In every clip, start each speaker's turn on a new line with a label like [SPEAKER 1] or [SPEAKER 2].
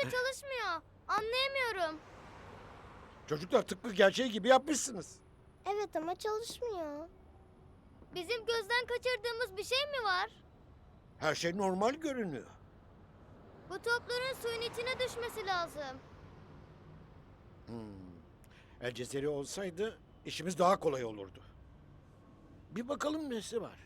[SPEAKER 1] çalışmıyor. Anlayamıyorum.
[SPEAKER 2] Çocuklar tıpkı gerçeği gibi yapmışsınız.
[SPEAKER 1] Evet ama çalışmıyor. Bizim gözden kaçırdığımız bir şey mi var?
[SPEAKER 2] Her şey normal görünüyor.
[SPEAKER 1] Bu topların suyun içine düşmesi lazım.
[SPEAKER 2] El Cezeri olsaydı işimiz daha kolay olurdu. Bir bakalım nesi var.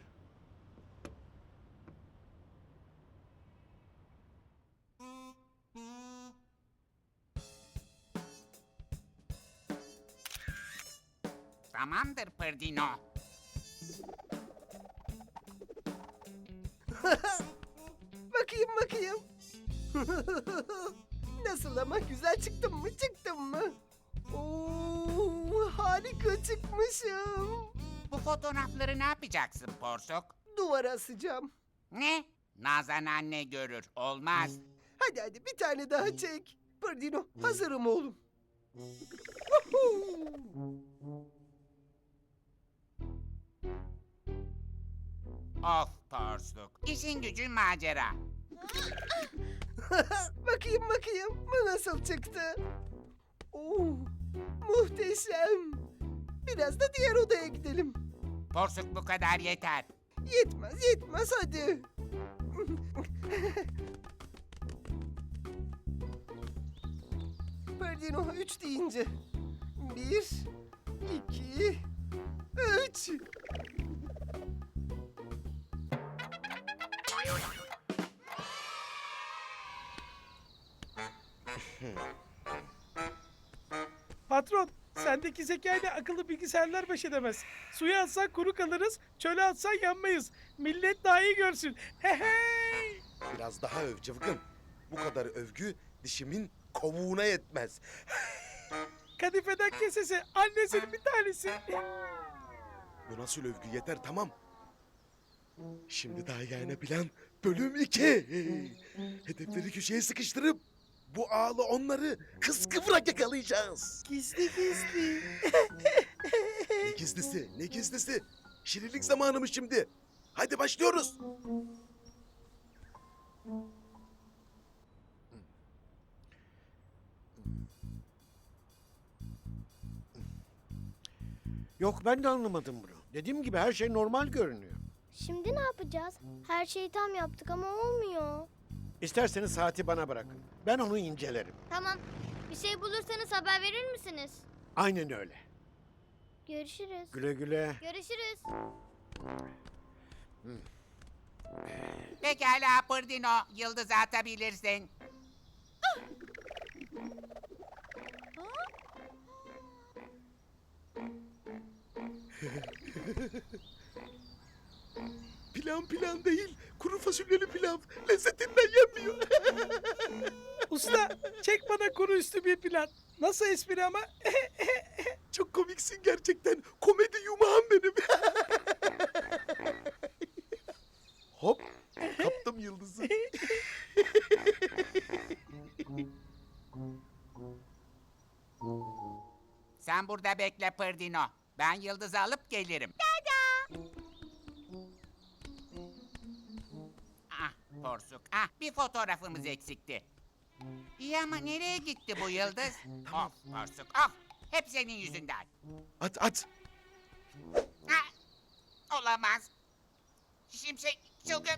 [SPEAKER 3] Tamamdır Pırdino.
[SPEAKER 4] Bakayım. Nasıl ama güzel çıktım mı? Oo, harika çıkmışım.
[SPEAKER 3] Bu fotoğrafları ne yapacaksın Porsuk?
[SPEAKER 4] Duvara asacağım.
[SPEAKER 3] Ne? Nazan anne görür. Olmaz.
[SPEAKER 4] Hadi bir tane daha çek. Pırdino hazırım oğlum. Woohoo!
[SPEAKER 3] Of Porsuk. İşin gücün macera.
[SPEAKER 4] bakayım bu nasıl çıktı? Oo, muhteşem. Biraz da diğer odaya gidelim.
[SPEAKER 3] Porsuk bu kadar yeter.
[SPEAKER 4] Yetmez hadi. Pardino 3 deyince. 1, 2, 3.
[SPEAKER 5] Patron, sendeki zekayla akıllı bilgisayarlar baş edemez. Suya atsan kuru kalırız, çöle atsan yanmayız. Millet daha iyi görsün. Hey!
[SPEAKER 6] Biraz daha öv cıvgın. Bu kadar övgü dişimin kovuğuna yetmez.
[SPEAKER 5] Kadifeden kesesi, annesinin bir tanesi.
[SPEAKER 6] Bu nasıl övgü yeter tamam. Şimdi daha yayına plan bölüm 2. Hedefleri köşeye sıkıştırıp bu ağlı onları kıskıvrak yakalayacağız.
[SPEAKER 4] Gizli.
[SPEAKER 6] Ne gizlisi? Şirinlik zamanı mı şimdi? Hadi başlıyoruz.
[SPEAKER 2] Yok ben de anlamadım bunu. Dediğim gibi her şey normal görünüyor.
[SPEAKER 1] Şimdi ne yapacağız? Her şeyi tam yaptık ama olmuyor.
[SPEAKER 2] İsterseniz saati bana bırakın. Ben onu incelerim.
[SPEAKER 1] Tamam. Bir şey bulursanız haber verir misiniz?
[SPEAKER 2] Aynen öyle.
[SPEAKER 1] Görüşürüz.
[SPEAKER 2] Güle güle.
[SPEAKER 1] Görüşürüz.
[SPEAKER 3] Pekala Pırdino. Yıldız atabilirsin.
[SPEAKER 6] Plan değil. Kuru fasulyeli pilav. Lezzetinden yenmiyor.
[SPEAKER 5] Usta, çek bana kuru üstü bir plan. Nasıl espri ama?
[SPEAKER 6] Çok komiksin gerçekten. Komedi yumağım benim. Hop. Kaptım yıldızı.
[SPEAKER 3] Sen burada bekle Pırdino. Ben Yıldız'ı alıp gelirim. Ah Porsuk. Ah bir fotoğrafımız eksikti. İyi ama nereye gitti bu Yıldız? Of Porsuk of. Hep senin yüzünden.
[SPEAKER 6] At.
[SPEAKER 3] Ah, olamaz. Şimşek çılgın.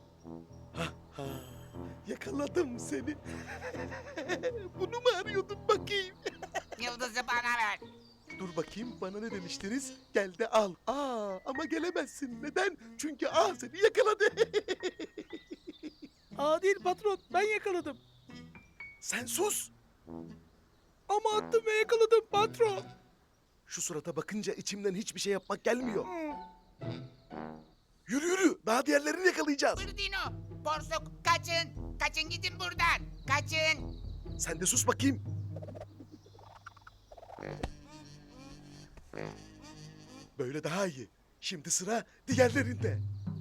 [SPEAKER 6] Yakaladım seni. Bunu mu arıyordun bakayım?
[SPEAKER 3] Yıldız'ı bana ver.
[SPEAKER 6] Dur bakayım bana ne demiştiniz? Gel de al. Ama gelemezsin. Neden? Çünkü seni yakaladı.
[SPEAKER 5] Aa değil patron, ben yakaladım.
[SPEAKER 6] Sen sus.
[SPEAKER 5] Ama attım ve yakaladım patron.
[SPEAKER 6] Şu surata bakınca içimden hiçbir şey yapmak gelmiyor. Yürü. Daha diğerlerini yakalayacağız.
[SPEAKER 3] Pırdino, Porsuk kaçın. Kaçın gidin buradan. Kaçın.
[SPEAKER 6] Sen de sus bakayım. Böyle daha iyi. Şimdi sıra diğerlerinde.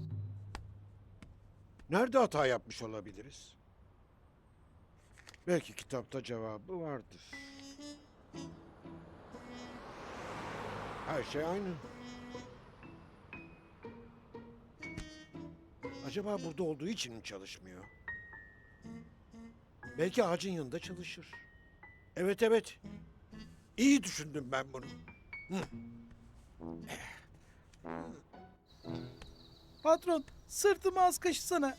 [SPEAKER 2] Nerede hata yapmış olabiliriz? Belki kitapta cevabı vardır. Her şey aynı. Acaba burada olduğu için mi çalışmıyor? Belki ağacın yanında çalışır. Evet evet. İyi düşündüm ben bunu.
[SPEAKER 5] Patron sırtımı az kaşısana.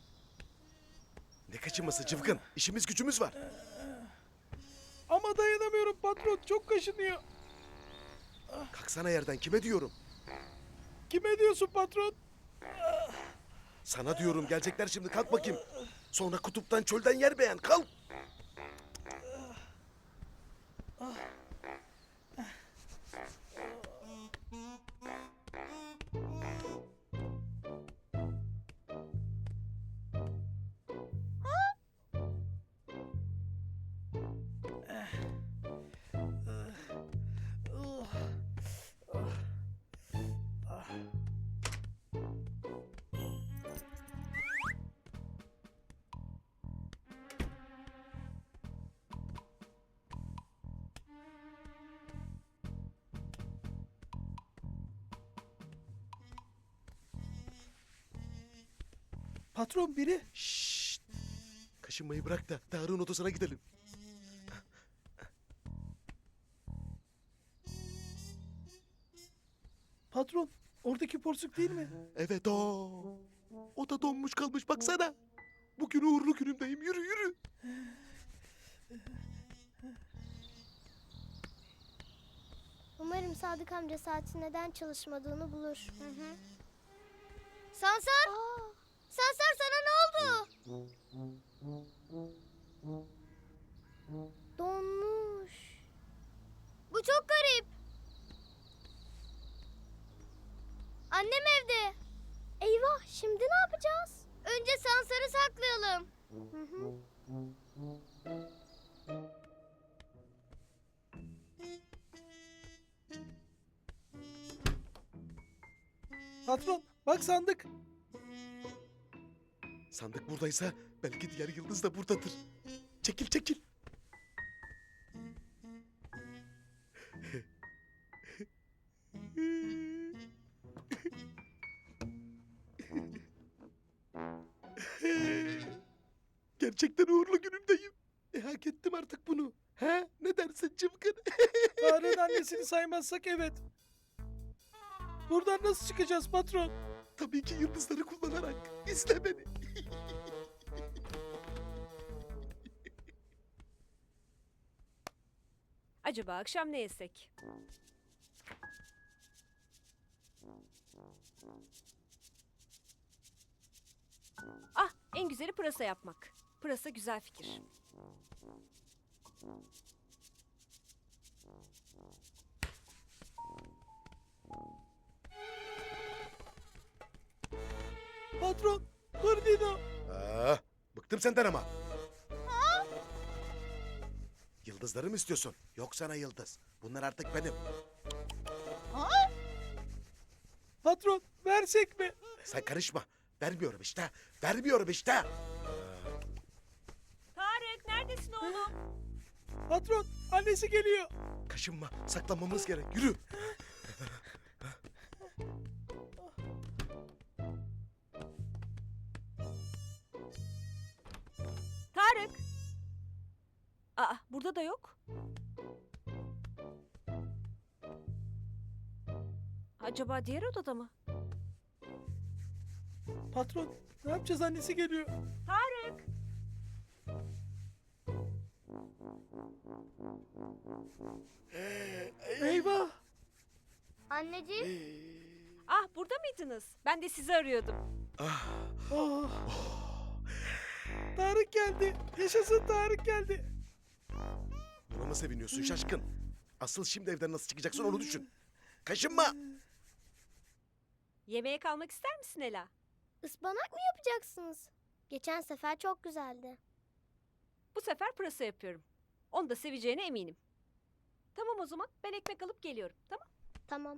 [SPEAKER 6] Ne kaçınması Cıvkın? İşimiz gücümüz var.
[SPEAKER 5] Ama dayanamıyorum patron, çok kaşınıyor.
[SPEAKER 6] Kalksana yerden, kime diyorum?
[SPEAKER 5] Kime diyorsun patron?
[SPEAKER 6] Sana diyorum, gelecekler şimdi, kalk bakayım. Sonra kutuptan çölden yer beğen, kalk.
[SPEAKER 5] Patron biri.
[SPEAKER 6] Şşşt. Kaşınmayı bırak da Tarık'ın odasına gidelim.
[SPEAKER 5] Patron oradaki porsuk değil mi?
[SPEAKER 6] Evet o. O da donmuş kalmış, baksana. Bugün uğurlu günümdeyim, yürü yürü.
[SPEAKER 1] Umarım Sadık amca saatin neden çalışmadığını bulur. Sansar! Sansar sana ne oldu? Donmuş. Bu çok garip. Annem evde. Eyvah, şimdi ne yapacağız? Önce Sansar'ı saklayalım.
[SPEAKER 5] Patron bak sandık.
[SPEAKER 6] Sandık buradaysa belki diğer yıldız da buradadır. Çekil çekil. Gerçekten uğurlu günümdeyim. Hak ettim artık bunu. He? Ne dersin Cıvkın?
[SPEAKER 5] Tarık'ın annesini saymazsak evet. Buradan nasıl çıkacağız patron?
[SPEAKER 6] Tabii ki yıldızları kullanarak. İzle beni.
[SPEAKER 7] Acaba akşam ne yesek? Ah, en güzeli pırasa yapmak. Pırasa güzel fikir.
[SPEAKER 5] Patron, Ferdinand.
[SPEAKER 6] Bıktım senden ama. Yıldızları mı istiyorsun? Yok sana yıldız. Bunlar artık benim.
[SPEAKER 5] Patron, versek mi?
[SPEAKER 6] Sen karışma. Vermiyorum işte. Vermiyorum işte.
[SPEAKER 7] Tarık, neredesin oğlum?
[SPEAKER 5] Patron, annesi geliyor.
[SPEAKER 6] Kaşınma. Saklanmamız gerek. Yürü.
[SPEAKER 7] Tarık! Aa, burada da yok. Acaba diğer odada mı?
[SPEAKER 5] Patron, ne yapacağız, annesi geliyor.
[SPEAKER 7] Tarık!
[SPEAKER 5] Eyvah.
[SPEAKER 1] Anneciğim,
[SPEAKER 7] Ah, burada mıydınız? Ben de sizi arıyordum.
[SPEAKER 5] Ah. Tarık geldi. Yaşasın, Tarık geldi.
[SPEAKER 6] Buna mı seviniyorsun şaşkın? Asıl şimdi evden nasıl çıkacaksın onu düşün. Kaşınma.
[SPEAKER 7] Yemeğe kalmak ister misin Ela?
[SPEAKER 1] ıspanak mı yapacaksınız? Geçen sefer çok güzeldi.
[SPEAKER 7] Bu sefer pırasa yapıyorum. Onu da seveceğine eminim. Tamam o zaman, ben ekmek alıp geliyorum. Tamam.
[SPEAKER 1] Tamam.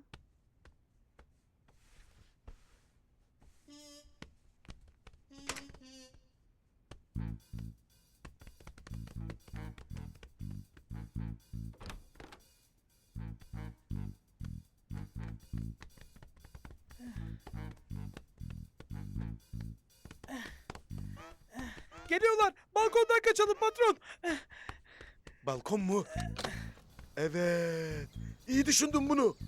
[SPEAKER 5] Geliyorlar. Balkondan kaçalım patron.
[SPEAKER 6] Balkon mu? Evet. İyi düşündün bunu.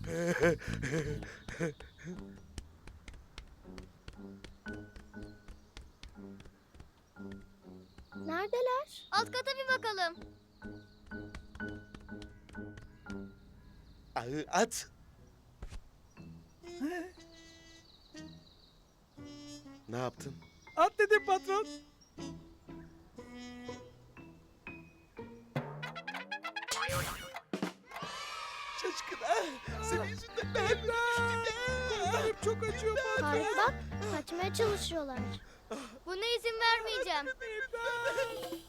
[SPEAKER 1] Neredeler? Alt kata bir bakalım.
[SPEAKER 6] Ağı at. Ne yaptın?
[SPEAKER 5] At dedim patron.
[SPEAKER 6] Şaşkın ha. Senin yüzünden ben
[SPEAKER 5] Kollarım çok acıyor patron.
[SPEAKER 1] Tarık bak, kaçmaya çalışıyorlar. Buna izin vermeyeceğim.
[SPEAKER 5] İmdat.